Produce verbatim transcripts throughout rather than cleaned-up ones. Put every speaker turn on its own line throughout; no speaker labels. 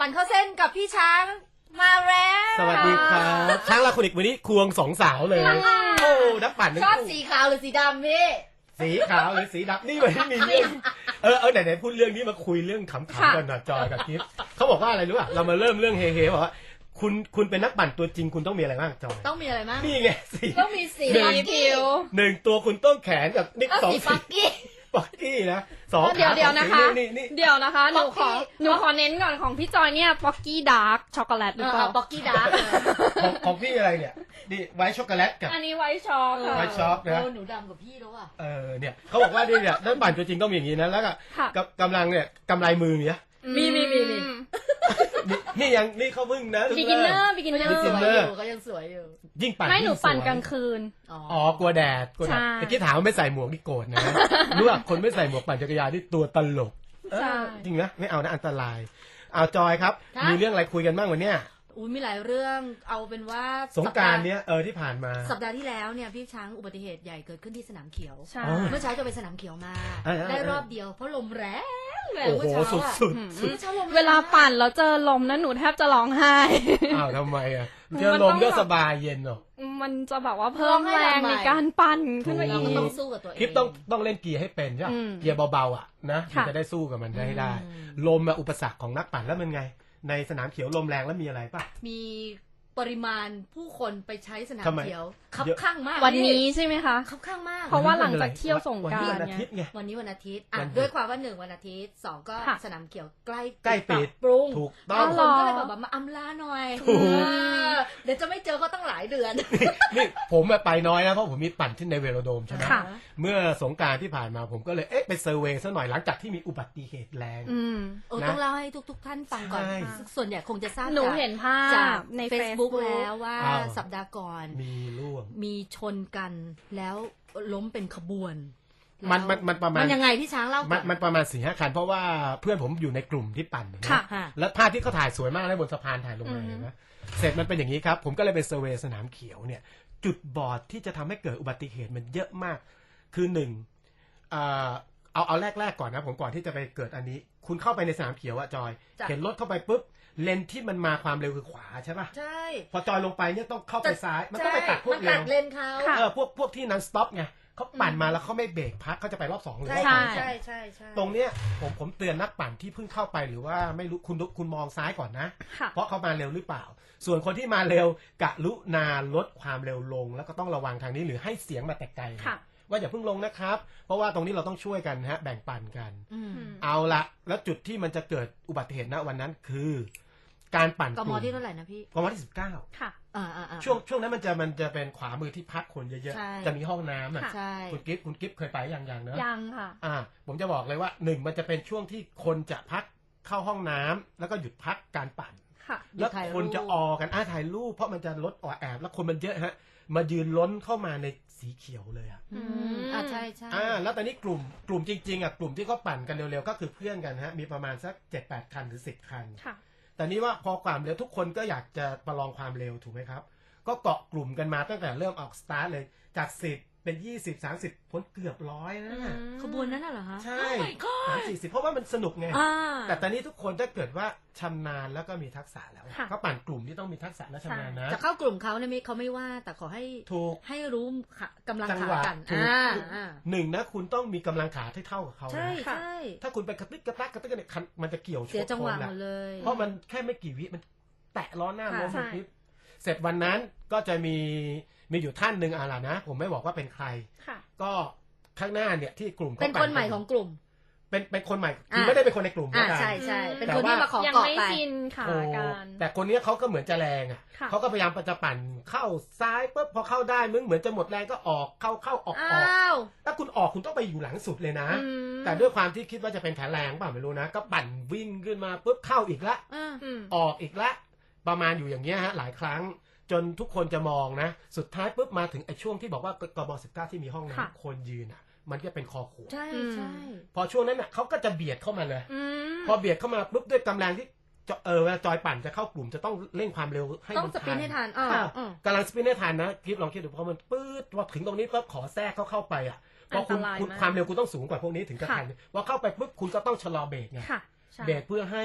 ปั่นเข้าเส้นกับพี่ช้างมาแล้ว
สวัสดีครับช้างลาคุณอีกวันนี้ควงสองสาวเลยโอ้นักปั่นนึก
ชอบสีขาวหรือสีดำพี่
สีขาวหรือสีดำนี่วันนี้มีเรื่องเออเออไหนไหนพูดเรื่องนี้มาคุยเรื่องขำๆกันหน่อยจอยกับกิฟเขาบอกว่าอะไรรู้ป่ะเรามาเริ่มเรื่องเฮๆบอกว่าคุณคุณเป็นนักปั่นตัวจริงคุณต้องมีอะไรบ้างจอย
ต้องมีอะไรบ้าง
นี่ไงสี
ต้องมีสีผิว
หนึ่งตัวคุณต้องแขนกับนี่สอง
สีปักกี้
ปักกี้นะสอง
เดี๋ยวเดี๋ยวนะคะ
นี่นี่
เดี๋ยวนะคะหนูขอหนูขอเน้นก่อนของพี่จอยเนี่ยป๊อกกี้ดาร์กช็อกโกแลตหรือเปล่า
ปักกี้ดาร์ก
ของของพี่อะไรเนี่ยนี่ไวท์ช็อกโกแลตกับ
อันนี้ไวท์ช็อกค่ะ
ไวท์ช็อกนะ
หนูดำกับพี่แล้วอ่ะ
เออเนี่ยเขาบอกว่านี่เนี่ยนักปั่นตัวจริงต้องมีอย่างนี้นะแล้วก็กำลังเนี่ยกำไรมือเนี่ย
มีมีมีมี
นี่ยังนี่เขาเพิ่งนะ
บิกินเนอร์บิกินเนอ
ยังสวย
ร์
อยู่ก็ยังสวยอยู่
ยิ่งปั่น
ไม่หนู
ยิ่งสวย
ปั่นกลางคืน
อ๋อกลัวแดดกลัวแดด
ใช่
เมื่อกี้ถามว่าไม่ใส่หมวกนี่โกรธนะรู้ว่าคนไม่ใส่หมวกปั่นจักรยานนี่ตัวตลก
ใช่
จริงนะไม่เอานะอันตรายเอาจอยครับมีเรื่องอะไรคุยกันบ้างวันเนี้ย
อุ้ยมีหลายเรื่องเอาเป็นว่า
สงกรานต์เนี้ยเออที่ผ่านมา
สัปดาห์ที่แล้วเนี่ยพี่ช้างอุบัติเหตุใหญ่เกิดขึ้นที่สนามเขียว
ใช่
เมื่อเช้าจะไปสนามเขียวมา ได้รอบเดียวเพราะลมแรงแรง
โอ้
เมื่
โห
อเช้า
สุด
อะ
สุดสุด
เมื่อเช้าลมแรง
เวลาปั่นแล้วเจอลมนะหนูแทบจะร้องไห้
อ้าวทำไมอ่ะเจอลมก็สบายเย็นเนาะ
มันจะแบบว่าเพิ่มแรงในการปั่นขึ้นมา
เรา
อี
ก็
ก
ต้องสู้กับตัวเอง
คลิปต้องต้องเล่นเกียร์ให้เป็นใช่ไหม
อืม
เกียร์เบาๆอ่ะนะมัน
ค่ะ
จะได้สู้กับมันได้ให้ได้
อืม
ลมอะอุปสรรคของนักปั่นแล้วมันไง ในสนามเขียวลมแรงแล้วมีอะไรป่ะ
มีปริมาณผู้คนไปใช้สนาม
ทำไม
เขียวคับ
เยอะ
ข้างมาก
วันนี้ใช่ไหมคะ
คับข้างมาก
เพราะว่าหลังจากเที่ยวสงกรานต์
วันนี้วันอาทิตย์ไง
วันนี้วันอาทิตย์อ่ะ
วันหยุด
ด้วยความว่าหนึ่งวันอาทิตย์สองก็
ค่ะ
สนามเขียวใกล้
ใกล้ปิด
ปรุง
ถูกต้
อ๋
อง
อ
คนก็เลยแบบว่ามาอำลาหน่อย
ถูก
เออเดี๋ยวจะไม่เจอเขาตั้งหลายเดือน
นี่ผมอะไปน้อยนะเพราะผมมีปั่นที่ในเวโรโดมใช่ไหม
ค่ะ
เมื่อสงกรานต์ที่ผ่านมาผมก็เลยเอ๊ะไปเซอร์เวย์ซะหน่อยหลังจากที่มีอุบัติเหตุแรง
อืม
โอ้
นะ
ต้องเล่าให้ทุก ๆ ท่านฟังก่อน
ใช่
ส่วนใหญ่คงจะทราบ
หนู
จาก
เห็นภา
จาก
พใน
เฟซบุ๊ก
Facebook
แล้วว่า
อ้าว
สัปดาห์ก่อน
มีร่วง
มีชนกันแล้วล้มเป็นขบวน
มัน
แล้ว
มันมันประมาณ
มันยังไงพี่ช้างเล่าก่
มั
อน น
มันประมาณสี่ห้าคันเพราะว่าเพื่อนผมอยู่ในกลุ่มที่ปั่นนะ
ค่ะ
ค่ะ
แล้วภาพที่เขาถ่ายสวยมากเลยบนสะพานถ่ายลงมา
อือฮึ
เห็นไหมเสร็จมันเป็นอย่างนี้ครับ ผมก็เลยไปเซอร์เวย์สนามเขียวเนี่ย จุดบอดที่จะทำให้เกิดอุบัติเหตุมันเยอะมาก คือหนึ่งเอ่อเอาเอาแรกๆก่อนนะผมก่อนที่จะไปเกิดอันนี้ คุณเข้าไปในสนามเขียวอะจอย
จ้ะ
เห็นรถเข้าไปปุ๊บเลนที่มันมาความเร็วคือขวาใช่ป่ะ
ใช่
พอจอยลงไปเนี่ยต้องเข้าไปซ้าย มันต้องไป
ใช่
ตัดพวก
มัน
เร็
ตัว ดเลนเขา
ค่ะ
เออพวกพวกที่นันสต็อปไงเขาปั่นมาแล้วเขาไม่เบรกพักเขาจะไปรอบสองหรือ
ใช่
รอบสาม
ใช่ใช่ใช่
ตรงเนี้ยผมผมเตือนนักปั่นที่เพิ่งเข้าไปหรือว่าไม่รู้คุณคุณมองซ้ายก่อนนะ
ค่ะ
เพราะเขามาเร็วหรือเปล่า ส่วนคนที่มาเร็วกะลุนาลดความเร็วลง แล้วก็ต้องระวังทางนี้หรือให้เสียงมาแต่ไกลนะ
ค่ะ
ว่าอย่าเพิ่งลงนะครับ เพราะว่าตรงนี้เราต้องช่วยกันนะฮะแบ่งปันกัน
อืม
เอาละแล้วจุดที่มันจะเกิดอุบัติเหตุณวันนั้นคือ การปั่น
ก
ก
ม
ลุ่ม
ที่เท่าไหร่นะพี่
กมที่สิบเก้า
ค่ะ
อ่าอ่าอ่า
ช่วงช่วงนั้นมันจะมันจะเป็นขวามือที่พักคนเยอะ
ใช่
ๆจะมีห้องน้ำอ่ะ
ค่ะ
ใช่
คุณกิฟต์คุณกิฟต์เคยไปอย่างอย่างเนอะ
ยังค่ะ
อ่า ผมจะบอกเลยว่าหนึ่งมันจะเป็นช่วงที่คนจะพักเข้าห้องน้ำแล้วก็หยุดพักการปั่น
ค่ะ
แล้วคนจะออกันอ่าถ่ายรูปเพราะมันจะลดออแอบแล้วคนมันเยอะฮะ มายืนล้นเข้ามาในสีเขียวเลยอ่ะ
อืมอ่าใช่ใช่
อ่าแล้วตอนนี้กลุ่มกลุ่มจริงๆอ่ะกลุ่มที่เขาปั่นกันเร็วๆก็คือเพื่อนกันฮะมีประมาณสักเจ็ดแปดคันหรือสิบคัน
ค่ะ
แต่นี้ว่าพอความเร็วทุกคนก็อยากจะประลองความเร็วถูกไหมครับ ก็เกาะกลุ่มกันมาตั้งแต่เริ่มออกสตาร์ทเลยจากสิบเป็นยี่สิบสามสิบพ้นเกือบร้อยนะ
ขบวนนั้นน่ะเหรอฮะ
ใช่
Oh my god
สามสี่สิบเพราะว่ามันสนุกไง
อ่า
แต่ตอนนี้ทุกคนถ้าเกิดว่าชำนาญแล้วก็มีทักษะแล้ว
ค่ะ
เขาปั่นกลุ่มที่ต้องมีทักษะและชำนาญนะ
จะเข้ากลุ่มเขาเนี่ยไม่เขาไม่ว่า แต่ขอให้
ถูก
ให้รู้ค่ะกำลัง
จัง
ขา
หวะ
กัน
ถูก
อ่าอ่า
หนึ่งนะคุณต้องมีกำลังขาที่เท่ากับเขา
ใช่
นะ
ใช่
ถ้าคุณไปกระติกกระตักกระติกกันเนี่ยคันมันจะเกี่ยวช
เสีย
น
จังหวะ
คน
หม
อะ
ดเลย
เพราะมันแค่ไม่กี่วิมันแตะล้อหน้า
ค่ะ
ล้ม
ใช่
มันคลิปเสร็จวันนั้นก็จะมีมีอยู่ท่านหนึ่งอะไรนะ ผมไม่บอกว่าเป็นใคร
ค่ะ
ก็ข้างหน้าเนี่ยที่กลุ่มขา
เป็นคนใหม่ของกลุ่ม
เป็นเป็นคนใหม่คือ
อ่ะ
ไม่ได้เป็นคนในกลุ่ม
อ่า
ด้วยกัน
ใช่ใช่เป็น
แต่
คนที่
ว่า
มาขอ
ยัง
เกาะ
ไม่
ไป
ชินขา
โอ้
การ
แต่คนเนี้ยเขาก็เหมือนจะแรงอ่ะ
ค่ะ
เขาก็พยายามจะปั่นเข้าซ้ายปุ๊บพอเข้าได้มึงเหมือนจะหมดแรงก็ออกเข้าเข้าออกออก
อ้าว
ถ้าคุณออกคุณต้องไปอยู่หลังสุดเลยนะ
อืม
แต่ด้วยความที่คิดว่าจะเป็นแผนแรงเปล่าไม่รู้นะ ก็ปั่นวิ่งขึ้นมาปุ๊บเข้าอีกละ
อ่า
อืม
ออกอีกละประมาณอยู่อย่างเงี้ยฮะหลายครั้งจนทุกคนจะมองนะ สุดท้ายปุ๊บมาถึงไอ้ช่วงที่บอกว่ากบสิบเก้าที่มีห้อง
ค่ะ
น้ำคนยืนอ่ะ มันก็เป็นคอขวด
ใช่ใช่
พอช่วงนั้นน่ะเขาก็จะเบียดเข้ามาเลย
อืม
พอเบียดเข้ามาปุ๊บด้วยกำลังที่จะเออเวลาจอยปั่นจะเข้ากลุ่มจะต้องเร่งความเร็วให้
ต้อง
มัน
สปรินต์ให้ทันอ่า
อ่ะ
อ่า
กำลังสปรินต์ให้ทันนะคลิปลองคิดดูพอมันปื๊ดพอถึงตรงนี้ปุ๊บขอแทรกเขาเข้าไปอ่ะพอคุณ
อันตราย
คุณ
มาก
ความเร็วคุณต้องสูงกว่าพวกนี้ถึงจะทันพอเข้าไปปุ๊บคุณก็ต้องชะลอเบรกไง
ค่ะใช่
เบรกเพื่อให้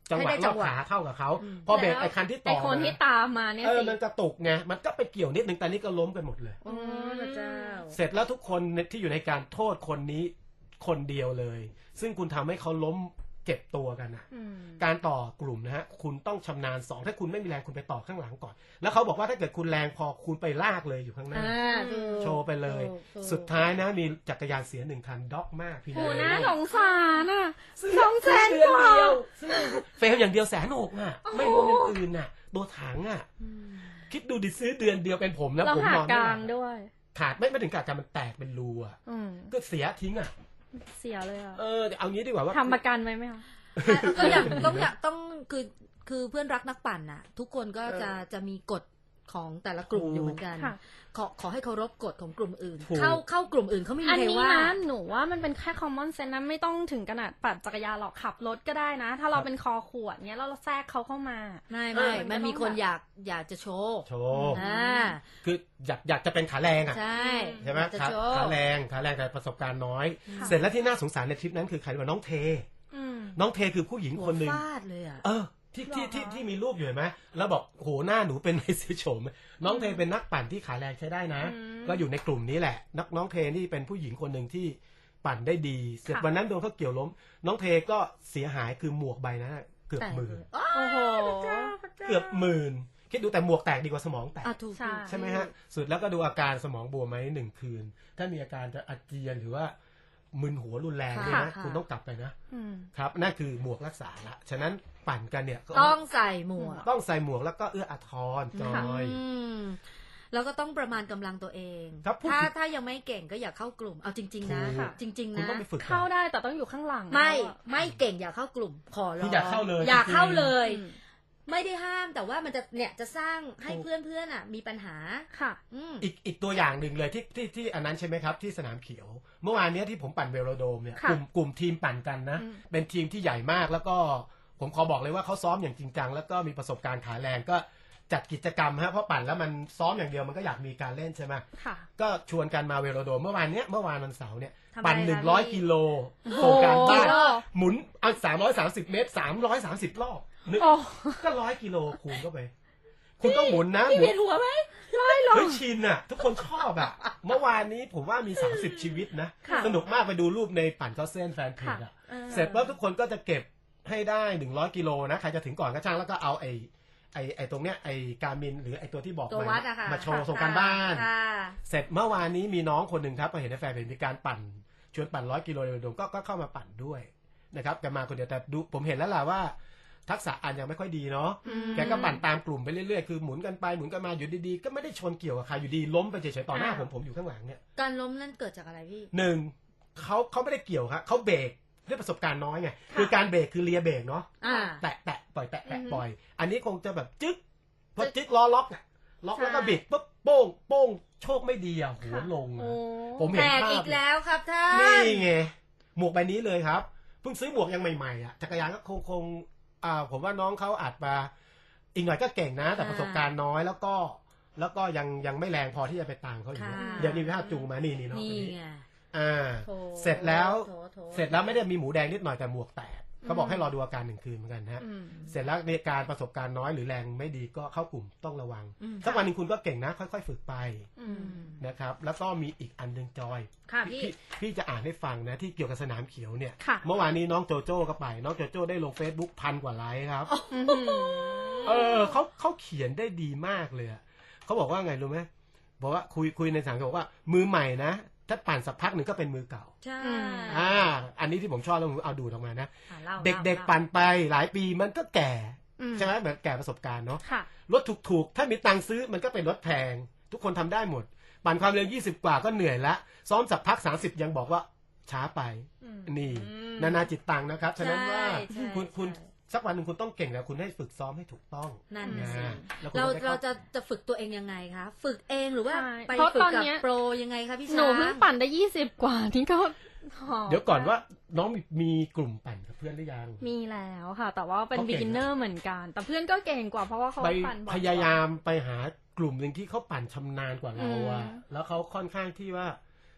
จังหวะรอบขาเข้ากับเขาพอเบรกไอ้คันที่ต่อ
ไอ้คนที่ตามมาเนี่ย
เออ
สิ
มันกระตุกไงมันก็ไปเกี่ยวนิดนึงแต่นี่ก็ล้มกันหมดเลย
โอ้พระเจ้า
เสร็จแล้วทุกคนที่อยู่ในการโทษคนนี้คนเดียวเลย ซึ่งคุณทำให้เขาล้มเจ็บตัวกันนะ
อืม
การต่อกลุ่มนะฮะคุณต้องชำนาญสองถ้าคุณไม่มีแรงคุณไปต่อข้างหลังก่อน แล้วเขาบอกว่าถ้าเกิดคุณแรงพอคุณไปลากเลยอยู่ข้างหน้า
อ่าถูก
โชว์ไปเลย
ถูกถูก
สุดท้ายนะมีจักรยานเสียหนึ่งคันด็อกมากพี่
โห
นะ
น่าสงสารอ่ะ
ซื้
สองแสน
ซื้อก
ว่า
เดือนเดียวซื้อเฟลอย่างเดียวแสนหกอ่ะ ไม่รวมอย่างอื่นอ่ะตัวถังอ่ะ
อืม
คิดดูดิซื้อเดือนเดียวเป็นผมนะ
เรา
ผม
หาน
อน
ก
ไม่
ลา
หลั
ง
บ
ด้วย
ขาดไม่ไม่ถึงขาดกันมันแตกเป็นรูอ่ะ
อืม
ก็เสียทิ้งอ่ะ
เสียเลยอ่ะ
เออเอางี้ดีกว่าว่า
ทำประกันไว้ไหมคะ
ก็อยากต้องอยากต้องคือคือเพื่อนรักนักปั่นน่ะ ทุกคนก็จะจะมีกฎของแต่ละกลุ่มอยู่เหมือนกัน
ค่ะ
ขอขอให้เคารพกฎของกลุ่มอื่น
ถูก
เข้าเข้ากลุ่มอื่นเขาไม่มี
อัน
ใคร
นี้
ว่า
นะหนูว่ามันเป็นแค่ common sense นะไม่ต้องถึงขนาดปั่นจักรยานหรอกขับรถก็ได้นะ ถ้าเราเป็นคอขวดเนี้ยแล้วเราแทรกเขาเข้ามา
ไม่ไม่
เออ
มันมี
มันก็
คน
ต้องแบบ
อยากอยากจะโชว์
โชว์
อ่า
คืออยากอยากจะเป็นขาแรงอ่ะ
ใช่
ใช่ไหม
จะ
ขา
โชว์
ขาแรงขาแรงแต่ประสบการณ์น้อย
ค่ะ
เสร็จแล้วที่น่าสงสารในทริปนั้นคือใครรู้ไหมน้องเท
อืม
น้องเทคือผู้หญิง
หัว
คนหนึ่ง
ฟาดเลยอ่ะ
เออที่ที่
หรอ
ที่ที่มีรูปอยู่เห็นไหมแล้วบอกโหหน้าหนูเป็นไมเสียโฉมน้องเทเป็นนักปั่นที่ขาแรงใช้ได้นะ
อืม
ก็อยู่ในกลุ่มนี้แหละนักน้องเทนี่เป็นผู้หญิงคนหนึ่งที่ปั่นได้ดี เสร็จ
ค่ะ
วันนั้นโดนเขาเกี่ยวล้ม น้องเทก็เสียหายคือหมวกใบนั้นอะเกือบ
แต่
หมื่น
อ๋อ
โอ้โห
เกือบหมื่นคิดดูแต่หมวกแตกดีกว่าสมองแตก
อ่ะถูก
ใช่
ใช่ไหมฮะ สุดแล้วก็ดูอาการสมองบวมไหมหนึ่งคืน ถ้ามีอาการจะอาเจียนหรือว่ามึนหัวรุนแรงเนี่ยนะ
ค่ะ
คุณต้องกลับไปนะ
อืม
ครับ นั่นคือหมวกรักษาละ ฉะนั้นปั่นกันเนี่ยก็
ต้องใส่หมวก
ต้องใส่หมวกแล้วก็เอื้ออาทรจอย
อืมแล้วก็ต้องประมาณกำลังตัวเอง
ครับพูด
ถ้า
ถึง
ถ้ายังไม่เก่งก็อย่าเข้ากลุ่ม เอาจริง ๆ นะ
ถูก
จริง ๆ
คุณ
นะ
ต้องไปฝึกก่อน
เข้าได้แต่ต้องอยู่ข้างหลัง
ไม่
แล้วอะ
ไม่เก่งอย่าเข้ากลุ่ม ขอร้
คือ อง อย่าเข้าเลย
อย่าเข้าเลย
อืม
ไม่ได้ห้ามแต่ว่ามันจะเนี่ยจะสร้างให้
ถูก
เพื่อนเพื่อนๆอ่ะ มีปัญหา
ค่ะ
อืม
อีกอีกตัวอย่างหนึ่งเลยที่ที่ที่อันนั้นใช่ไหมครับ ที่สนามเขียว เมื่อวานเนี้ยที่ผมปั่นเวโรโดมเนี่ย
ค่ะ
กลุ่มกลุ่มทีมปั่นกันนะ
อืม
เป็นทีมที่ใหญ่มากแล้วก็ผมขอบอกเลยว่าเขาซ้อมอย่างจริงจังแล้วก็มีประสบการณ์ขาแรงก็จัดกิจกรรมฮะเพราะปั่นแล้วมันซ้อมอย่างเดียวมันก็อยากมีการเล่นใช่ไหม
ค่ะ
ก็ชวนกันมาเวโรโดมเมื่อวานเนี้ยเมื่อวานวันเสาร์เนี่ย
ทำไม
ปั่น
คะ
หนึ่งร้อย
พี่
กิโล
โอ้โห
โครงการบ้าน
กิโล
หมุนเอาสามร้อยสามสิบเมตรสามร้อยสามสิบรอบนึก
โอ้
ก็ร้อยกิโลคูณเข้าไป คุณต้องหมุนนะ
พี่
หมุ
เวีย
น
นหัวไหม
เฮ้ยชินอ่ะ ทุกคนชอบอ่ะ เมื่อวานนี้ผมว่ามีสามสิบชีวิตนะ
ค่ะ
สนุกมากไปดูรูปในปั่นเข้าเส้นแฟนเพจอ่ะ เสร็จแล้วทุกคนก็จะเก็บให้ได้หนึ่งร้อยกิโลนะใครจะถึงก่อนก็ช่างแล้วก็เอาไอ้ไอ้ไอ้ตรงเนี้ยไอ้การมินหรือไอ้ตัวที่บอก
ตัว
มา
วัดอะค่ะ
มาโชว์ส่งการบ้าน
ค่ะ
เสร็จเมื่อวานนี้มีน้องคนหนึ่งครับมาเห็นในแฟนเพจมีการปั่นชวนปั่นร้อยกิโลเดิมก็ก็เข้ามาปั่นด้วยนะครับแกมาคนเดียวแต่ดูผมเห็นแล้วล่ะว่า ทักษะอ่านยังไม่ค่อยดีเนาะ
อืม
แกก็ปั่นตามกลุ่มไปเรื่อยๆคือหมุนกันไปหมุนกันมาอยู่ดีๆก็ไม่ได้ชนเกี่ยวกับใครอยู่ดีล้มไปเฉยๆต่อหน้า
อ่า
ผมผมอยู่ข้างหลังเนี่ย
การล้มนั่นเกิดจากอะไรพี่
หนึ่งเขาเขาไม่ได้เกี่ยวครับเขาเบรกด้วยประสบการณ์น้อยไงคือการเบรกคือเลียเบรกเนาะ
อ่า
แตะแตะปล่อยแตะแตะ
อือฮึ
ปล่อย อันนี้คงจะแบบจึ๊กพอจึ๊กล้อล็อกอะล็อก
ใช่
แล้วก็บิดปุ๊บโป้งโป้งโชคไม่ดีอ่ะหัวลง
โอ้
อะผมเห็
แต
น
ก
ภา
อี
พ
กแล้วครับท่าน
นี่ไงหมวกใบนี้เลยครับเพิ่งซื้อหมวกยังใหม่ๆอ่ะจักรยานก็คงคงอ่าผมว่าน้องเขาอาจมาอีกหน่อยก็เก่งนะ แต่ประสบการณ์น้อยแล้วก็ แล้วก็ยังยังไม่แรงพอที่จะไปต่างเขาอยู่
ค่ะ
เดี๋ยวนี้ภาพจูงมานี่นี่น้อง
นี่
คนนี้
ไง
อ่า
โถ
เสร็จแล้ว
โถโถ
เสร็จแล้วไม่ได้มีหมูแดงนิดหน่อยแต่หมวกแตกเขาบอกให้รอดูอาการหนึ่งคืนเหมือนกันฮะ
อืม
เสร็จแล้วในการประสบการณ์น้อยหรือแรงไม่ดีก็เข้ากลุ่มต้องระวัง
อืม
สักวันหนึ่งคุณก็เก่งนะ ค่อยๆฝึกไป
อื
อื
ม
ม
นะครับ แล้วก็มีอีกอันหนึ่งจอย
ค่ะพี่
พี่พี่จะอ่านให้ฟังนะที่เกี่ยวกับสนามเขียวเนี่ย
ค่ะ
เมื่อวานนี้น้องโจโจ้ก็ไป น้องโจโจ้ได้ลง Facebook พันกว่าไลค์ครับ
อืม
เออเขาเขาเขียนได้ดีมากเลยอะเขาบอกว่าไงรู้ไหมบอกว่าคุยคุยในสามบอกว่ามือใหม่นะ ถ้าปั่นสักพักหนึ่งก็เป็นมือเก่า
ใช่
อืม
อ่า อันนี้ที่ผมชอบแล้วผมเอาดูดออกมานะ
อ่ะล่า
เด็กๆ
ล่า
ปั่นไปหลายปีมันก็แก่
อืม
ใช่ไหมเหมือนแก่ประสบการณ์เนาะ
ค่ะ
รถถูกๆ ถ้ามีตังค์ซื้อมันก็เป็นรถแพง ทุกคนทำได้หมด ปั่นความเร็วยี่สิบกว่าก็เหนื่อยละซ้อมสักพักสามสิบยังบอกว่าช้าไป
อืม
นี่
อืม
นานาจิตตังนะครับ ฉะนั้นว่า
ใช่
คุณคุณ
ใช่
สักวันหนึ่งคุณต้องเก่งแล้วคุณให้ฝึกซ้อมให้ถูกต้อง
นั่นน่ะสิ
นะแล้วคุณ
เรา
ก็ได้
เรา
เข้า
จะจะฝึกตัวเองยังไงคะ ฝึกเองหรือว่า
ใช่
ไป
เพราะ
ฝึก
ตอน
กับ
เนี้ย
โปรยังไงคะพี่
ห
ช้าง
นูเพิ่งปั่นได้ยี่สิบกว่านี่ก็หอบ
เดี๋ยวก่อนว่าน้องมีมีกลุ่มปั่นกับเพื่อนหรือยัง
มีแล้วค่ะ แต่ว่าเป็น
เขาเก่ง
beginner เหมือนกัน แต่เพื่อนก็เก่งกว่าเพราะว่าเขา
ไป
ปั่นบ่อย
พยายามไปหากลุ่มหนึ่งที่เขาปั่นชำนาญกว่าเราอะ
อืม
แล้วเขาค่อนข้างที่ว่า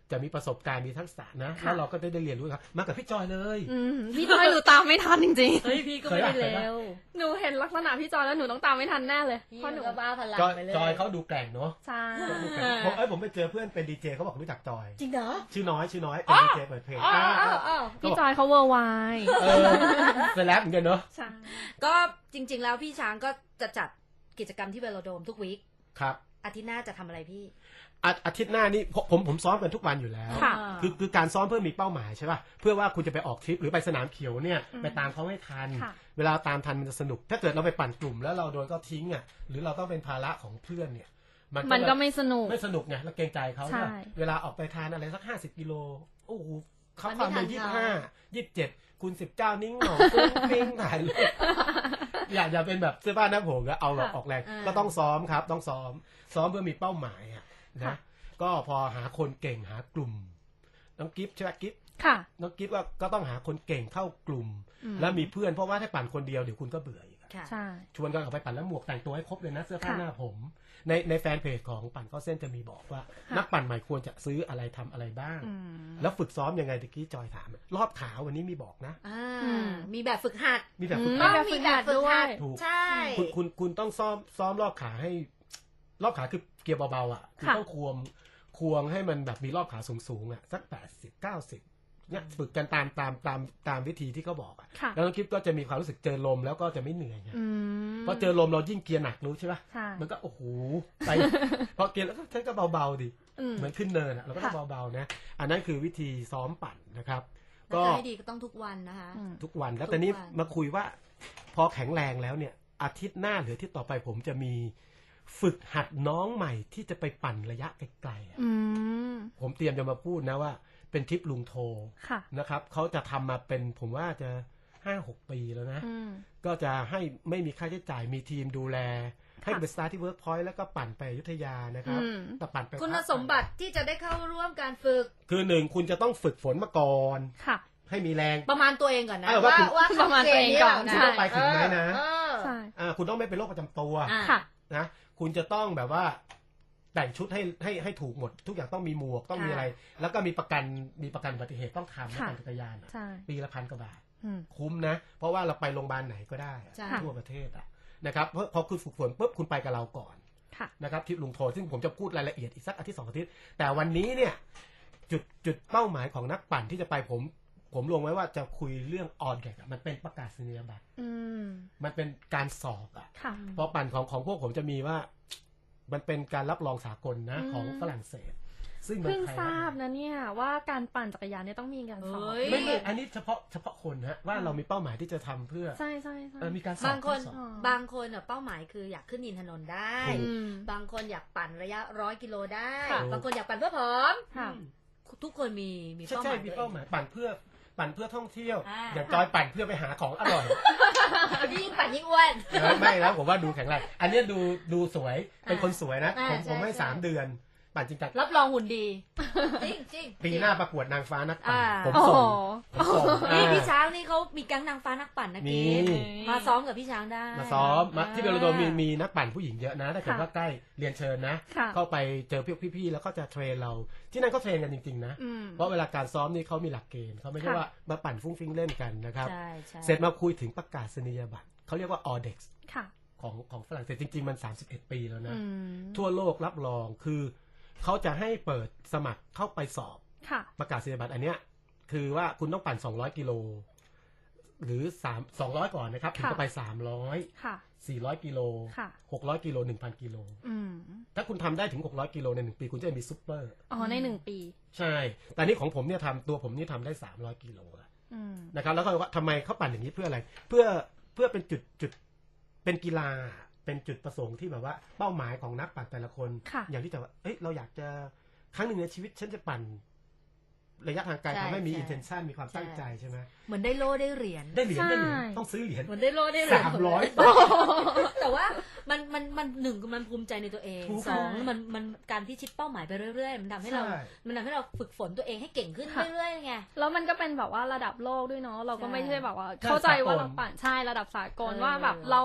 จะมีประสบการณ์มีทักษะนะ
ค่ะ
แล้วเราก็ได้ได้เรียนรู้ครับมากับพี่จอยเลย
อืมพี่จอยหนูตามไม่ทันจริง
เฮ้ยพี่ก็ไม่ได้
เคยปะ
เร็ว
ๆหนูเห็นลักษณะพี่จอยแล้วหนูต้องตามไม่ทันแน่เลย
พี่
เพราะหนู
ก็บ้าพลัง
จอย
ไปเลย
จอยเขาดูแกร่งเนาะ
ใช่
ดูแกร่งผมเอ้ยผมไปเจอเพื่อนเป็นดีเจเขาบอกรู้จักจอย
จริงเหรอ
ชื่อน้อยชื่อน้อยเป็นดีเจเปิดเพลง
อ๋อ
อ่า
อ๋ออ๋อ
พี่จอยเขาเวอร์ไวด์
เออเซเลบเหมือนกันเนาะ
ใช่
ก็จริง ๆ แล้วพี่ช้างก็จะจัดกิจกรรมที่เวโลโดมทุกวีค
ครับ
อาทิตย์หน้าจะทำอะไรพี่
อาอาทิตย์หน้านี่ผมผมผมซ้อมกันทุกวันอยู่แล้ว
ค่ะ
คือคือการซ้อมเพื่อมีเป้าหมายใช่ป่ะเพื่อว่าคุณจะไปออกทริปหรือไปสนามเขียวเนี่ย
อืม
ไปตามเขาให้ทัน
ค่ะ
เวลาตามทันมันจะสนุก ถ้าเกิดเราไปปั่นกลุ่มแล้วเราโดนก็ทิ้งอ่ะหรือเราต้องเป็นภาระของเพื่อนเนี่ย
มันก็ไม่สนุก
ไม่สนุกไงแล้วเกรงใจเขา
ใช่
ว่าเวลาออกไปทานอะไรสักห้าสิบกิโลโอ้โหเขา
มัน
ค
ไม่
วาม
ทั
เร็วน ยี่สิบ
เขา
ห้ายี่สิบเจ็ดคูณสิบเก้านิ้งหนองฟุ้งฟิ้งถ่ายรูปอย่าอย่าเป็นแบบเสื้อผ้าหน้าผมก็เอาแบบออกแรง
อ่า
ก็ต้องซ้อมครับ ต้องซ้อม ซ้อมเพื่อมีเป้าหมายอ่ะนะ
ค่ะ
ก็พอหาคนเก่งหากลุ่ม น้องกิฟต์ใช่ไหมกิฟต์
ค่ะ
น้องกิฟต์ว่าก็ต้องหาคนเก่งเข้ากลุ่ม
อืม
แล้วมีเพื่อนเพราะว่าถ้าปั่นคนเดียวเดี๋ยวคุณก็เบื่ออีกอะ
ค่ะ
ใช่
ชวนกันออกไปปั่นแล้วหมวกแต่งตัวให้ครบเลยนะเสื้อผ้า
ค่ะ
หน้าผม ในในแฟนเพจของปั่นเข้าเส้นจะมีบอกว่า
ค่ะ
นักปั่นใหม่ควรจะซื้ออะไรทำอะไรบ้าง
อืม
แล้วฝึกซ้อมยังไงตะกี้จอยถาม รอบขาวันนี้มีบอกนะ
อ่า
อืม
มีแบบฝึกหัด
มีแบบฝึก
อื
หัด
ต้องมีแบบฝึกหัด
ถูก
ใช่
คุณคุณคุณต้องซ้อมซ้อมรอบขาให้ รอบขาคือเกียร์เบาๆอ่ะคุณ
ค่ะ
ต้องควงควงให้มันแบบมีรอบขาสูงๆอ่ะสักแปดสิบเก้าสิบเนี่ยฝึกกันตามตามตามตามวิธีที่เขาบอกอ่ะ
ค่ะ
แล้วน้องคลิปก็จะมีความรู้สึกเจอลมแล้วก็จะไม่เหนื่อยไง
อืม
เพราะเจอลมเรายิ่งเกียร์หนักรู้ใช่ปะ
ใช่
มันก็โอ้โหไป พอเกียร์แล้วก็ฉันก็เบาๆดิ
อืม
เหมือนขึ้นเนินอ่ะเราก็ต้อง
ค่ะ
เบาๆนะอันนั้นคือวิธีซ้อมปั่นนะครับ
ก็
ก็
ให้ดีก็ต้องทุกวันนะคะ
อืม
ทุกวันแล้ว
ทุก
แต่นี้
วัน
มาคุยว่า พอแข็งแรงแล้วเนี่ย อาทิตย์หน้าหรืออาทิตย์ต่อไปผมจะมีฝึกหัดน้องใหม่ที่จะไปปั่นระยะไกลๆอะ
อืม
ผมเตรียมจะมาพูดนะว่าเป็นทริปลุงโท
ค่ะ
นะครับเขาจะทำมาเป็นผมว่าจะห้าหกปีแล้วนะ
อืม
ก็จะให้ไม่มีค่าใช้จ่ายมีทีมดูแล ให้ไปสตาร์ทที่เวิร์กพอยต์แล้วก็ปั่นไปอยุธยานะครับ
อืม
แต่ปั่นไป
คุณ
พัก
สมบัติที่จะได้เข้าร่วมการฝึก
คือหนึ่งคุณจะต้องฝึกฝนมาก่อน
ค่ะ
ให้มีแรง
ประมาณตัวเองก่อนนะ
เออว่าคุณ
ว่า
ประมาณตัวเองก่อน
ข้
ใช่
เกณฑ์
ไปถึงไหมนะ
เออ
ใช่
อ่าคุณต้องไม่เป็นโรคประจำตัว
อ่า
ค่ะ
นะคุณจะต้องแบบว่าแต่งชุดให้ให้ให้ถูกหมด ทุกอย่างต้องมีหมวกต้องมีอะไร แล้วก็มีประกันมีประกันอุบัติเหตุต้องทำนะ
ค่ะ
ปั่นจักรยานอะ
ใช่
ปีละพันกว่าบาท
อืม
คุ้มนะ เพราะว่าเราไปโรงพยาบาลไหนก็ได้อะ
ใช่
ทั่วประเทศอะนะครับเพราะพอคุณฝึกฝนปุ๊บคุณไปกับเราก่อน
ค่ะ
นะครับทริปลุงโทซึ่งผมจะพูดรายละเอียดอีกสักอาทิตย์สองอาทิตย์แต่วันนี้เนี่ยจุดจุดเป้าหมายของนักปั่นที่จะไปผมผมลงไว้ว่าจะคุยเรื่องออนแกกมันเป็นประกาศนียบัตร
อืม
มันเป็นการสอบอะ
ค่ะ
เพราะปั่นของของพวกผมจะมีว่า มันเป็นการรับรองสากลนะ
อืม
ของฝรั่งเศส ซึ่งเมือ
เพิ่
ง
ง
ไทย
ทราบนะเนี่ยว่าการปั่นจักรยานเนี่ยต้องมีการสอบ
เฮ้ย
ไม่ไม่อันนี้เฉพาะเฉพาะคนฮะว่าเรามีเป้าหมายที่จะทำเพื่อ
ใช่ใช่ใช่
เออมีการสอบบ
างคน
ข้อสอบ
อ๋อ
บางคนอ่ะเป้าหมายคืออยากขึ้นอินทนนท์ได้
ถูก
อืม
บางคนอยากปั่นระยะร้อยกิโลได้
ค่ะ
บางคนอยากปั่นเพื่อผอม
ค่ะ
ทุกคนมีมี
ใช่
เป้าห
ใช่
มาย
มี
ตัวเอ
เป้าง หมายปั่นเพื่อปั่นเพื่อท่องเที่ยว
อ่า
อย่างจอยปั่นเพื่อไปหาของอร่อย
ยิ่งปั่นยิ่งอ้วน
แล้วไม่แล้วผมว่าดูแข็งแรงอันเนี้ยดูดูสวยเป็นคนสวยนะ
อ่า
ผมผมให้
ใช่
สามเดือน ปั่นจริงจัง
รับรองหุ่นดี จริงจริง
ปีหน้าประกวดนางฟ้านักปั่น
อ่า
ผม
โอ้
ส่
โห
งผมส่ง
นี่
อ่า
พี่ช้างนี่เขามีแก๊งนางฟ้านักปั่นนะ
มี
กิฟมาซ้อมกับพี่ช้างได้
มาซ้อมมา
อ่า
ที่เบลโดมีมีนักปั่นผู้หญิงเยอะนะถ้าเกิด
ค่ะ
ว่าใกล้เรียนเชิญนะ
ค่ะ
เข้าไปเจอพี่พี่ๆแล้วก็จะเทรนเรา ที่นั่นก็เทรนกันจริงๆนะ
อืม
เพราะเวลาการซ้อมนี่เขามีหลักเกณฑ์เขาไม่ใช่
ค่ะ
ว่ามาปั่นฟุ้งฟิ้งเล่นกันนะครับ
ใช่ใช่
เสร็จมาคุยถึงประกาศนียบัตรเขาเรียกว่า ออ ดี อี เอ็กซ์
ค่ะ
ของของฝรั่งเศสจริงๆมันสามสิบเอ็ดปีแล้วนะ
อืม
ทั่วโลกรับรองคือเขาจะให้เปิดสมัครเข้าไปสอบ
ค่ะ
ประกาศนียบัตรอันเนี้ยคือว่าคุณต้องปั่นสองร้อยกิโลหรือสามสองร้อยก่อนนะครับถึง
ค่ะ
จะไปสามร้อย
ค่ะ
สี่ร้อยกิโล
ค่ะ
หกร้อยกิโลหนึ่งพันกิโล
อืม
ถ้าคุณทำได้ถึงหกร้อยกิโลในหนึ่งปีคุณจะมีซุปเปอร์
อ๋อในหนึ่งปี
ใช่ แต่นี่ของผมเนี่ยทำตัวผมนี่ทำได้สามร้อยกิโลแล้ว
อืม
นะครับแล้วก็ว่าทำไมเขาปั่นอย่างนี้เพื่ออะไร เพื่อเพื่อเป็นจุดจุดเป็นกีฬาเป็นจุดประสงค์ที่แบบว่าเป้าหมายของนักปั่นแต่ละคน
ค่ะ
อย่างที่จะว่าเอ้ยเราอยากจะครั้งหนึ่งในชีวิตฉันจะปั่นระยะทางไกล
ใช่
ทำให้มี
ใช่
intention มีความตั้งใจใช่ไหม
เหมือนได้โล่ได้เหรียญ
ได้เหรียญได้เหรียญ
ใช่
ต้องซื้อเหรียญ
เหมือนได้โล่ได้เหรียญ
สามร้อย
แต่ว่ามันมันมันหนึ่งมันภูมิใจในตัวเอง
ถูก
สองมันมันการที่ชิดเป้าหมายไปเรื่อยๆ มันทำให้เรา
ใช่
มันทำให้เราฝึกฝนตัวเองให้เก่งขึ้น
ค่ะ
เรื่อยๆไง
แล้วมันก็เป็นแบบว่าระดับโลกด้วยเนาะเราก็
ใช่
ไม่ใช่แบบว่า
ใช่
เข้าใจว่า
สากล
เราปั่นใช่ระดับสากล
เออ
ว่าแบบเรา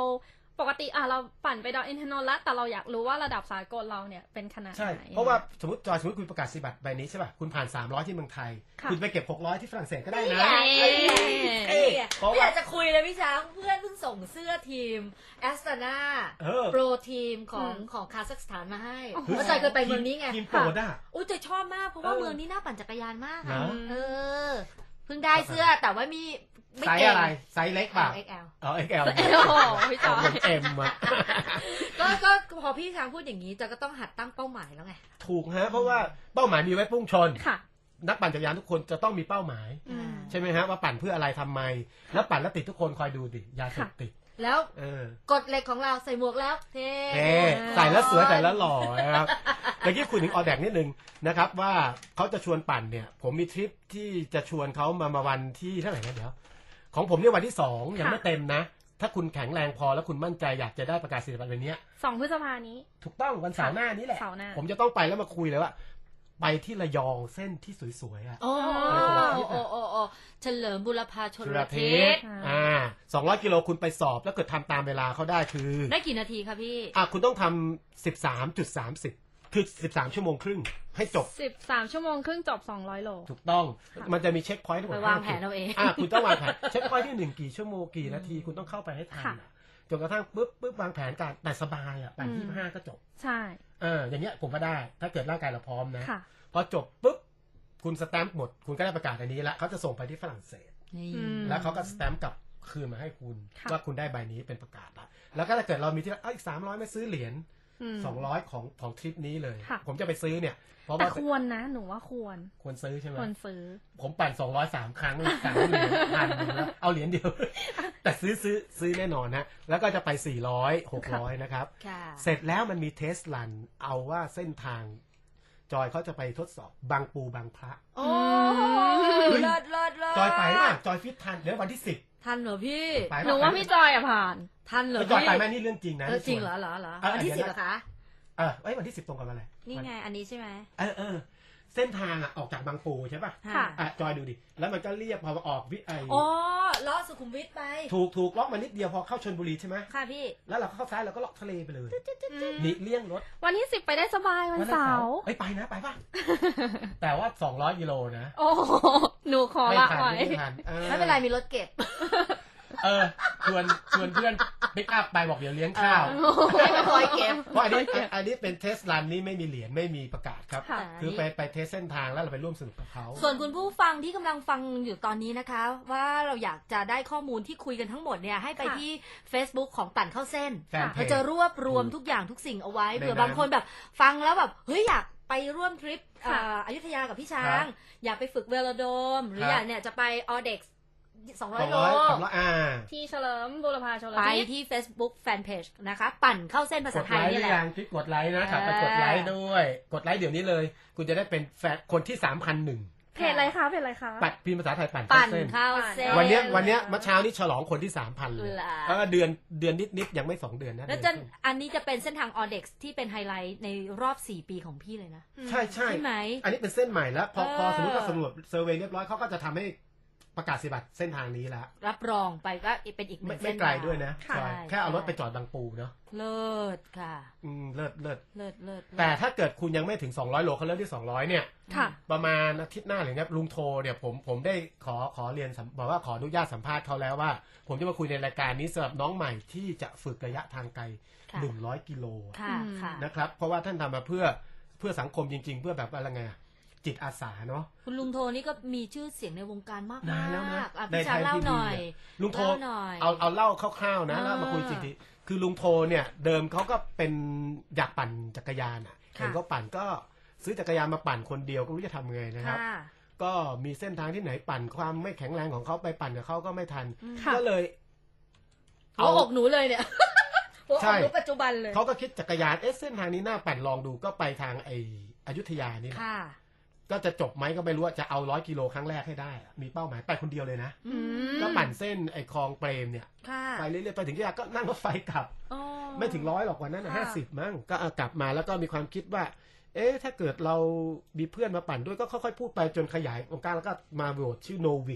ปกติอ่ะเราปั่นไปดอยอินทนนท์แล้วแต่เราอยากรู้ว่าระดับสากลเราเนี่ยเป็นขนาด
ใช่
ไหน
เพราะว่าสมมติจอยสมมติคุณประกาศสิบัตรใบนี้ใช่ป่ะคุณผ่านสามร้อยที่เมืองไทย
ค่ะ
คุณไปเก็บหกร้อยที่ฝรั่งเศสก็ได้นะ
เอ้ย
เอ้ยเพราะ
ไม่อ
ว่า
ยากจะคุยเลยพี่ช้างเพื่อนเพิ่งส่งเสื้อทีมแอสตานา
เออ
โปรทีมของของคาซัคสถานมาให้
โอ้โห
เพราะจอยเคยไปเมืองนี้ไง
ทีมโปรดอ่ะ
อุ้ยจอยชอบมากเพราะว่า
เออ
เมืองนี้น่าปั่นจักรยานมาก
เหร
อะ
อ
เออเพิ่งได้เสื้อแต่ว่ามีไม่
ไซส์
เก่ง
อะไรไซส์เล็กป่ะ
เอ็กแอล
อ๋อ เอ็ก แอล
โอ้โหพี่จอย
เอ็มอะ
ก็ก็พอพี่ช้างพูดอย่างนี้จอยก็ต้องหัดตั้งเป้าหมายแล้วไง
ถูกฮะเพราะว่าเป้าหมายมีไว้พุ่งชน
ค่ะ
นักปั่นจักรยานทุกคนจะต้องมีเป้าหมาย
อืม
ใช่ไหมฮะว่าปั่นเพื่ออะไรทำไม แล้วปั่นแล้วติดทุกคนคอยดูดิยาเสพติด
แล้ว
เออ
กฎเหล็กของเราใส่หมวกแล้วเท่
เท่ใส่แล้วสวยใส่แล้วหล่อนะครับเมื่อกี้คุยถึงออแดกนิดนึงนะครับว่าเขาจะชวนปั่นเนี่ย ผมมีทริปที่จะชวนเขามามาวันที่เท่าไหร่นะเดี๋ยว ของผมเนี่ยวันที่สองยังไม่เต็มนะ ถ้าคุณแข็งแรงพอแล้วคุณมั่นใจอยากจะได้ประกาศนียบัตรใบนี้
สองพฤษภานี้
ถูกต้องวันเสาร์หน้านี้แหละ
เสาร์หน้า
ผมจะต้องไปแล้วมาคุยเลยว่า ไปที่ระยองเส้นที่สวยๆอ่ะ
โอ้
อะไรของเรา
โอ้โอ้โอ้เฉลิมบุรพาชน
สุ
ร
ร
เท
เท
ศ
ศอ่าสองร้อยกิโลคุณไปสอบแล้วเกิดทำตามเวลาเขาได้คือ
ได้กี่นาทีคะพี่
อ่ะคุณต้องทำสิบสามจุดสามสิบคือสิบสามชั่วโมงครึ่งให้จบ
สิบสามชั่วโมงครึ่งจบสองร้อยโล
ถูกต้องมันจะมีเช็คพอยต์ทั้งหม
ไป
ด
วาง
ห้
แผนเอาเอง
อ่ะคุณต้องวางแผนเช็คพอยต์ที่หนึ่งกี่ชั่วโมงกี่นาทีคุณต้องเข้าไปให้ทัน
ค่ะ
อ่ะจนกระทั่งปุ๊บปุ๊บวางแผนการแต่สบายอ่ะแปด
อืม
ยี่ห้าก็จบ
ใช่
เอออย่างเงี้ยผมก็ได้ ถ้าเกิดร่างกายเราพร้อมนะ
ค่ะ
พอจบปุ๊บคุณสแตมป์หมด คุณก็ได้ประกาศอันนี้แล้วเขาจะส่งไปที่ฝรั่งเศส
นี่
อืม
แล้วเขาก็สแตมป์กลับคืนมาให้คุณ
ค่ะ
ว่าคุณได้ใบนี้เป็นประกาศละแล้วก็ถ้าเกิดเรามีที่เอ้ยอีกสามร้อยไม่ซื้อเหรียญ
ม
สองร้อยของของทริปนี้เลย
ค่ะ
ผมจะไปซื้อเนี่ย เพราะ
แต่
ว่า
ควรนะ หนูว่าควร
ควรซื้อใช่ไหม
ควรซื้อ
ผมปั่นสองร้อยสามครั้งสามเหรียญพันหนึ่งแล้วเอาเหรียญเดียว แต่ซื้อซื้อซื้อแน่นอนนะแล้วก็จะไปสี่ร้อยหกร้อยนะครับ
ค่ะ
เสร็จแล้วมันมีเทสรันเอาว่าเส้นทาง จอยเขาจะไปทดสอบบางปูบางพระ
โอ้เลิศเลิศเลิศ
จอยไปป่ะจอยฟิตทันเดี๋ยววันที่สิบ
ทันเหรอพี่
ไป
หนูว่าพี่จอยอะผ่าน
ทันเหรอ
จอย
พี่
ไปไหมนี่เรื่องจริงนะ
เออจริงเหรอเหรอเหรอ
เออ
วันที่
เดี๋
สิ
ยว
บ
นะ
เหรอคะ
เออเอ้ยวันที่สิบตรงกับอะไร
นี่ไงอันนี้ใช่ไหม
เออเออเส้นทางอ่ะออกจากบางปูใช่ป่ะ
ค่ะ
อ่ะจอยดูดิแล้วมันก็เรียบพอออกวิไอ
อ๋อล้อสุขุมวิทไป
ถูกถูกล็อกมานิดเดียวพอเข้าชลบุรีใช่ไหม
ค่ะพี่
แล้วเราก็เข้าซ้ายเราก็เลาะทะเลไปเลย
อืม
หนีเลี่ยงรถ
วันที่สิบไปได้สบายวันเสาร์
เอ้ยไปนะไปป่ะ แต่ว่าสองร้อยกิโลนะ
โอ้โหหนูขอ
ไม่
ละ
ทัน
ไว้
ไม่ทันออ
ไม่เป็นไรมีรถเก็บ
เออชวนชวนเพื่อนปิกอัพไปบอกเดี๋ยวเลี้ยงข้าว
ให้มาคอยเก็บ
เพราะอันนี้อันอันนี้เป็นเทสรันนี่ไม่มีเหรียญไม่มีประกาศครับ
ค่ะ
คือไปไปเทสเส้นทางแล้วเราไปร่วมสนุกกับเขา
ส่วนคุณผู้ฟังที่กำลังฟังอยู่ตอนนี้นะคะ ว่าเราอยากจะได้ข้อมูลที่คุยกันทั้งหมดเนี่ยให้ไป
ค่ะ
ที่ Facebook ของปั่นเข้าเส้น
แฟนเพ
เรา
จ
จะรวบรวมทุกอย่างทุกสิ่งเอาไว้
ใน
เผื่อ
นั้น
บางคนแบบฟังแล้วแบบเฮ้ยอยากไปร่วมทริป
ค่ะ
อ่าอยุธยากับพี่ช้า
ครั
ง
บ
อยากไปฝึกเวโลโดม หรือ
ครับ
อยากเนี่ยจะไปออเด็กสองร้
ส
อ
อย ง
โล
ร้อยสองร้อยอ่า
ที่เฉลิมบุรพาชล
ไป
ทิศ
ที่ Facebook Fanpage นะคะ ปั่นเข้าเส้นภาก ษา
ด
ไท
ไล
ย
ค์ห
นี่
รื
แห
อ
ละ
ยังคลิกกดไลค์นะกลับไป
เออ
กดไลค์ด้วย กดไลค์เดี๋ยวนี้เลย คุณจะได้เป็นแฟนคนที่สามพันหนึ่ง
เพจอะไรคะเพจอะไรคะ
ปัดพิมพ์ภาษาไทยปั่น
ปั่น
เส้น
เข้าเส้น
วันเนี้ย
เออ
วันเนี้ยเมื่อเช้านี้ฉลองคนที่สามพันเลย
เหรอ
เออเดือนเดือนนิดๆยังไม่สองเดือนนะ
แล้ว
เดื
จะ
อนครึ่ง
อันนี้จะเป็นเส้นทางออเด็กที่เป็นไฮไลท์ในรอบสี่ปีของพี่เลยนะ
ใช่ใช่
ใช่ไหม
อันนี้เป็นเส้นใหม่แล้ว พอพอ
เออ
สมมติว่าสำรวจเซอร์เวย์เรียบร้อยเขาก็จะทำให้ประกาศสิบัตรเส้นทางนี้แล้ว
รับรองไปก็เป็นอีกห
ไม่
นึ่ง
ไม่
เส้น
ไกล
ทาง
ด้วยนะ
ค่ะ
จอยแค่เอารถไปจอดบางปูเนาะ
เลิศค่ะ
อืมเลิศเลิศ
เลิศเลิศ
แต่ถ้าเกิดคุณยังไม่ถึงสองร้อยโลเขาเริ่มที่สองร้อยเนี่ย
ค่ะ
ประมาณอาทิตย์หน้าหรือเนี่ยลุงโทเนี่ยผมผมได้ขอขอเรียนสัมบอกว่าขออนุญาตสัมภาษณ์เขาแล้วว่า ผมจะมาคุยในรายการนี้สำหรับน้องใหม่ที่จะฝึกระยะทางไกล
ค่ะ
หนึ่งร้อยกิโล
ค่ะ
อืม
ค่ะ
นะครับเพราะว่าท่านทำมาเพื่อเพื่อสังคมจริง ๆ เพื่อแบบอะไรไงอะจิตอาสาเนาะ
คุณลุงโทนี่ก็มีชื่อเสียงในวงการมาก
นานแล้วนะ
อ่ะ
ใน
พี่ช้าง
ไทย
เล่า
ทีวี
หน่อย
ลุงโท
เล่าหน่อย
เอาเอาเล่าคร่าวๆนะ
อ่า
แล้วมาคุยจริงๆคือลุงโทเนี่ยเดิมเขาก็เป็นอยากปั่นจักรยานอ่ะเห็นเขาปั่นก็ซื้อจักรยานมาปั่นคนเดียวก็ไม่รู้จะทำไงนะครับ
ค่ะ
ก็มีเส้นทางที่ไหนปั่นความไม่แข็งแรงของเขาไปปั่นกับเขาก็ไม่ทัน
ค่ะ
ก็เลย
หัวอกหนูเลยเนี่ยหัวอ
ใช่
กหนูปัจจุบันเลย
เขาก็คิดจักรยานเอ๊ะเส้นทางนี้น่าปั่นลองดูก็ไปทางไออยุธยานี่แหละ
ค่ะ
ก็จะจบไหมก็ไม่รู้ว่าจะเอาร้อยกิโลครั้งแรกให้ได้อะมีเป้าหมายไปคนเดียวเลยนะ
อืม
ก็ปั่นเส้นไอคลองเปรมเนี่ย
ค่ะ
ไปเรื่อยๆไปถึงที่ยาก็นั่งรถไฟกลับ
อ๋อ
ไม่ถึงร้อยหรอกวันนั้น
ค่ะ
ห้าสิบมั้งก็เอากลับมาแล้วก็มีความคิดว่า เอ๊ะถ้าเกิดเรามีเพื่อนมาปั่นด้วยก็ค่อยๆพูดไปจนขยายวงการแล้วก็มาโหวตชื่อ Novix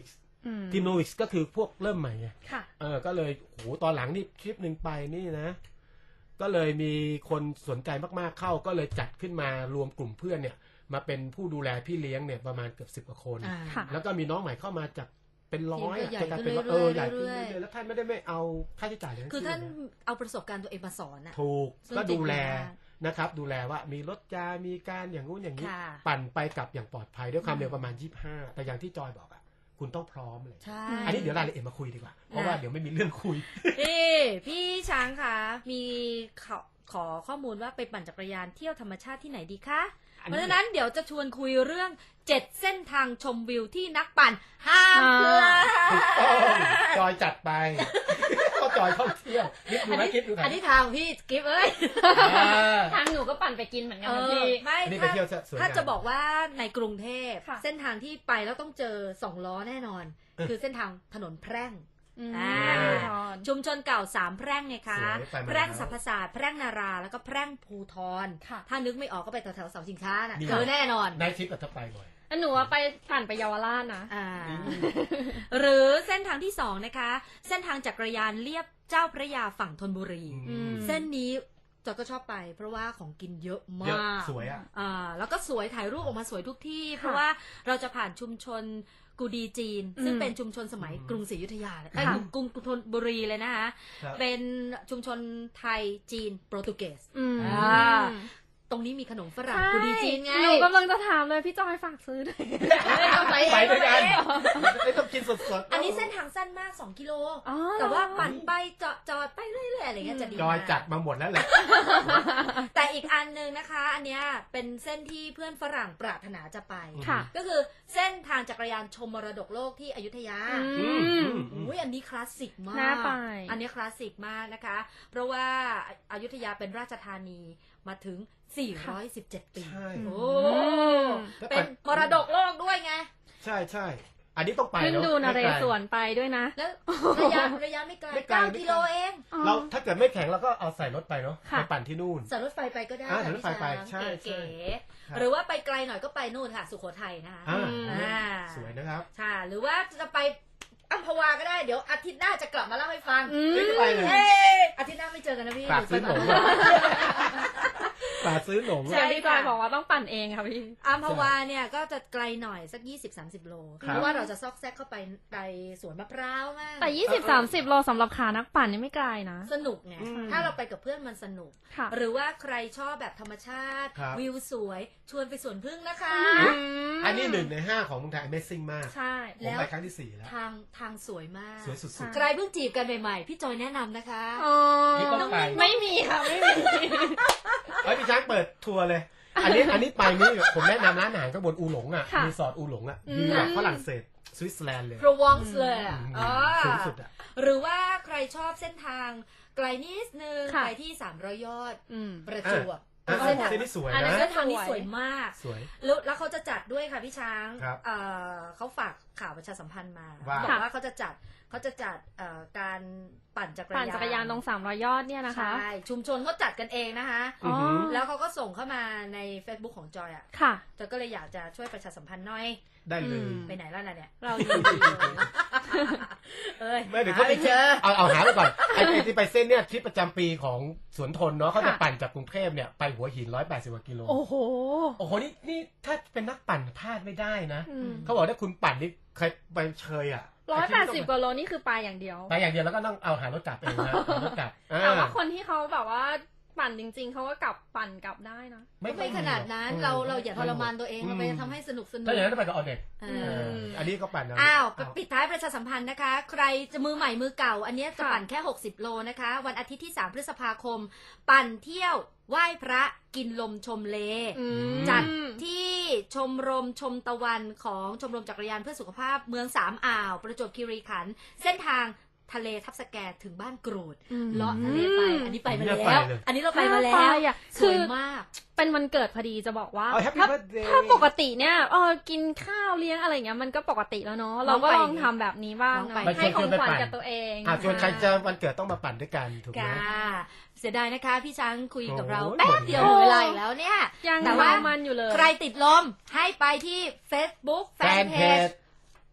อืม
ทีมโนวิกก็คือพวกเริ่มใหม่ไง
ค่ะ
เออก็เลยโหตอนหลังนี่ทริปหนึ่งไปนี่นะ ก็เลยมีคนสนใจมากๆเข้าก็เลยจัดขึ้นมารวมกลุ่มเพื่อนเนี่ย มาเป็นผู้ดูแลพี่เลี้ยงเนี่ยประมาณเกือบสิบกว่าคน
อ่า
ค่ะ
แล้วก็มีน้องใหม่เข้ามาจากเป็นร้อยอะ
ทีมก็ใหญ่
จะกลายเป็นว่า
ขึ้น
เออ
เรื่อยๆ
ใหญ่ขึ้น
เรื่อยๆ
เรื่อยๆแล้วท่านไม่ได้ไม่เอาค่าใช้จ่ายทั้ง
คือ
สิ้น
ท่าน
นะ
เอาประสบการณ์ตัวเองมาสอนอะ
ถูก
ซึ่ง
ก็ดูแล
จริงมาก
นะครับ ดูแลว่ามีรถจามีการอย่างงู้นอย่างนี้
ค่ะ
ปั่นไปกลับอย่างปลอดภัยด้วยความเร็วประมาณยี่สิบห้าแต่อย่างที่จอยบอกอะคุณต้องพร้อมเลย
ใช่
อันนี้เดี๋ยวรายละเอียดมาคุยดีกว่า เพราะว่าเดี๋ยวไม่มีเรื่องคุย
นี่พี่ช้างคะมีขอขอข้อมูลว่าไปปั่นจักรยานเที่ยวธรรมชาติที่ไหนดีคะ
อัน
เพ
นี้
ราะฉะนั้นเดี๋ยวจะชวนคุยเรื่องเจ็ดเส้นทางชมวิวที่นักปั่นห้ามพลา
ถูกต้อง
ด
จอยจัดไป ก็จอยท่องเที่ยวคิดดู
อัน
ไหม
นี้
คิดดูไหม
อันนี้ทางพี่กิฟต์เอ้ย
อ่า
ทางหนูก็ปั่นไปกินเหมือนกัน
เอ
นะ
อ
พี่
ไม่
อันนี้ไป
ถ้า
เที่ยวสวยงาม
ถ้าจะบอกว่าในกรุงเทพ
ค่ะ
เส้นทางที่ไปแล้วต้องเจอสองล้อแน่นอน
เออ
คือเส้นทางถนนแพร่ง
อืม
อ่า
ทอน
ชุมชนเก่าสามแพร่งไงคะ
สวยไปมา
แพร่งสรรพศาสตร์แพร่งนาราแล้วก็แพร่งภูทร
ค่ะ
ถ้านึกไม่ออกก็ไปแถวๆเสาชิงช้าน่ะ
นี่
เจอแน่นอน
ในทริปกับถ้าไปบ่อย
อันหนูว่าไปปั่นไปเยาวราชนะ
อ่า
อืม
หรือเส้นทางที่สองนะคะ เส้นทางจักรยานเลียบเจ้าพระยาฝั่งธนบุรี
อืม
เส้นนี้จอยก็ชอบไป เพราะว่าของกินเยอะ
เยอะ
มาก
สวยอ่ะ
อ่าแล้วก็สวยถ่ายรูปออกมาสวยทุกที่ เพราะว่าเราจะผ่านชุมชนกูดีจีน ซึ่ง
อืม
เป็นชุมชนสมัย
อืม
กรุงศรีอยุธยาเลย
ค่ะ
เอ้ยกรุงกรุงธนบุรีเลยนะคะ
ครับ
เป็นชุมชนไทยจีนโปรตุเกส
อืม
อ่า ตรงนี้มีขนมฝรั่ง
ใช่
กูดีจีนไง
หนูกำลังจะถามเลยพี่จอยฝากซื้อหน่อย
ไป
ไปด้วยกัน
เอง
ไม่ต้องกินสดๆ
อันนี้เส้นทางสั้นมากสองกิโล
อ๋อ
แต่ว่าปั่นไปจอดจอดไปเรื่อยๆอะไรเงี้ยจะดี
จอย
มาก
จัดมาหมดแล้วแหละ
แต่อีกอันหนึ่งนะคะ อันเนี้ยเป็นเส้นที่เพื่อนฝรั่งปรารถนาจะไป
ค่ะ
ก็คือเส้นทางจักรยานชมมรดกโลกที่อยุธยา
อื
อืม
ม
อืม
อุ้ยอันนี้คลาสสิกมาก
น่าไป
อันนี้คลาสสิกมากนะคะ เพราะว่าอยุธยาเป็นราชธานีมาถึง สี่ร้อยสิบเจ็ด ปี
ใช่
โอ้
แล้ว
เป็นมรดกโลกด้วยไง
ใช่ใช่ อันนี้ต้องไป
ขึ้น
เนอะ
ดูนเรศวรไปด้วยนะ
แล้วระยะระยะไม่ไกล
ไม่ไกล
เก้า
ไม่ไกล
กิโลเอง
เราถ้าเกิดไม่แข็งเราก็เอาใส่รถไปเนาะ
ค่ะ
ไปปั่นที่นู่น
สายรถไฟไปก็ได้
อ่า
ค่ะ
สายรถไฟไป
พี่
ใช่
ช้าง
ใช่
เก๋
ครับ
ๆหรือว่าไปไกลหน่อยก็ไปนู่นค่ะ สุโขทัยนะคะ
อ่า
อ่า
สวยนะครับ
ค่ะหรือว่าจะไปอัมพวาก็ได้เดี๋ยวอาทิตย์หน้าจะกลับมาเล่าให้ฟัง
อืม
ไม่ได้ไปเลย
เอ้ยอาทิตย์หน้าไม่เจอกันนะพี่
ฝากซื้อหนม
เดี๋ยวไปก่
ฝากซื้อหนม
ใช่
เดี๋ยวพี่จอยบอกว่าต้องปั่นเองค่ะพี่
อัมพวาเนี่ยก็จะไกลหน่อยสัก ยี่สิบถึงสามสิบ โล
ครับ
เพราะว่าเราจะซอกแซกเข้าไปในสวนมะพร้าวมาก
แต่ยี่สิบสามสิบโลสำหรับขานักปั่นนี่ไม่ไกลนะ
สนุกไง
อืม
ถ้าเราไปกับเพื่อนมันสนุก
ค่ะ
หรือว่าใครชอบแบบธรรมชาติ
ครับ
วิวสวยชวนไปสวนพึ่งนะคะ
อันนี้หนึ่งในห้าของเมืองไทย Amazing มาก
ใช่
ผ
แล้
ม
ว
ไปครั้งที่สี่แล้ว
ทางทางสวยมาก
สวยสุด
ใครเพิ่งจีบกันใหม่ๆ พี่จอยแนะนำนะคะ
อ๋อ
นี่ต้องไป
ไม่มีค่ะไม่มี
ๆเฮ้ยพี่ช้างเปิดทัวร์เลย อันนี้อันนี้ไปนี่ผมแนะนำร้านอาหารข้างบนอูหลงอ่ะ
ค่ะ
รีสอร์ทอูหลงอ่ะ
อืม
วิวแบบฝรั่งเศสสวิตเซอร์แลนด์เลย
โปรวองส์เลยอ่ะ
อืม
อ๋อ
สูงสุดอ่ะ
หรือว่าใครชอบเส้นทางไกลนิดนึง
ค่ะ
ไปที่สามร้อยยอด
อืม
ประจวบ
อ่ะ
เส้นทาง
เส้นนี้สวย
อันนั้
นะ
น
เส้นทางนี้สวยมาก
สวย
แล้วแล้วเขาจะจัดด้วยค่ะพี่ช้าง
ครับ
เอ่อเขาฝากข่าวประชาสัมพันธ์มา
ว่า
บอกว่าเขาจะจัดเขาจะจัดเอ่อการปั่นจักรยาน
ปั่นจักรยานตรงสามร้อยยอดเนี่ยนะคะ
ใช่ชุมชนเขาจัดกันเองนะคะ
อือหือ
แล้วเขาก็ส่งเข้ามาใน Facebook ของจอยอ่ะ
ค่ะ
จอยก็เลยอยากจะช่วยประชาสัมพันธ์หน่อย
ได้เลย
อืม
ไปไหนแล้วล่ะเนี่ย
เรายินดีเลย
เอ้ย
ไม่เดี๋ยว
หา
เขาไป
ไม่เจอ
เอาเอาหาไปก่อนไอ้ไอ้ที่ไปเส้นเนี่ยทริปประจำปีของสวนทนเนาะเขาจะ
ค่ะ
ปั่นจากกรุงเทพเนี่ยไปหัวหินร้อยแปดสิบกว่ากิโล
โอ้โห
โอ้โหนี่นี่ถ้าเป็นนักปั่นพลาดไม่ได้นะ
อืม
เขาบอกถ้าคุณปั่นนี่ใครไปเชยอ่ะ
ร้อยแปดสิบกว่าโลนี่คือไปอย่างเดียว
ไปอย่างเดียวแล้วก็ต้องเอาหารถกลับเองนะหารถกลับอ่
แต่ว่าคนที่เขาแบบว่าปั่นจริง ๆเขาก็กลับปั่นกลับได้นะ
ไม่ไม่ขนาดนั้น
อืม
เราเราอย่าทรมานตัวเอง
อืม
เราไปทำให้สนุกสนุก
ถ้าอย่างนั้นต้องไปกับออเน็ต
เอ
เอ
อ
อ
อันนี้ก็ปั่นเ
อ้าว
เ
ปิดท้ายประชาสัมพันธ์นะคะ ใครจะมือใหม่มือเก่า อันเนี้ยจะ
ค่ะ
ปั่นแค่ หกสิบ โลนะคะ วันอาทิตย์ที่ สาม พฤษภาคม ปั่นเที่ยวไหว้พระกินลมชมเล
อืม
จัดที่ชมรมชมตะวันของชมรมจักรยานเพื่อสุขภาพเมืองสามอ่าว ประจวบคีรีขันธ์เส้นทางทะเลทับสแกถึงบ้านกรูด
อืม
เลาะทะเลไป อันนี้ไปมา
อันนี้
แล้
ไป
ว
เลย
อันนี้เราไปมาแล้
ไป
ว
อ่ะ
ส
คื
วย
อ
มาก
เป็นวันเกิดพอดีจะบอกว่า
เอา Happy
ถ้า
Birthday
ถ้าปกติเนี่ยเออกินข้าวเลี้ยงอะไรอย่างเงี้ยมันก็ปกติแล้วเนาะเราก็ลองทำแบบนี้บ้าง
ลองไป
เนาะให้ของขวัญกับตัวเอง
อ่ะชวนใครจะวันเกิดต้องมาปั่นด้วยกันถูกไหม
ค่ะเสียดายนะคะ พี่ช้างคุยกับเรา
โอ้ย
แป๊บเดียวหมดเวลาอีกแล้วเนี่ย
ยัง
แต่ว่า
มันอยู่เลย
ใครติดลมให้ไปที่ Facebook
แฟนเพจ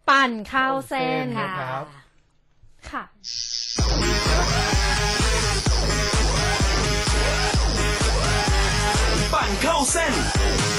ปั่นเข้าเส้น
เข้าเส้น
ค่ะ
ครับ
ค่ะ
ปั่นเข้าเส้น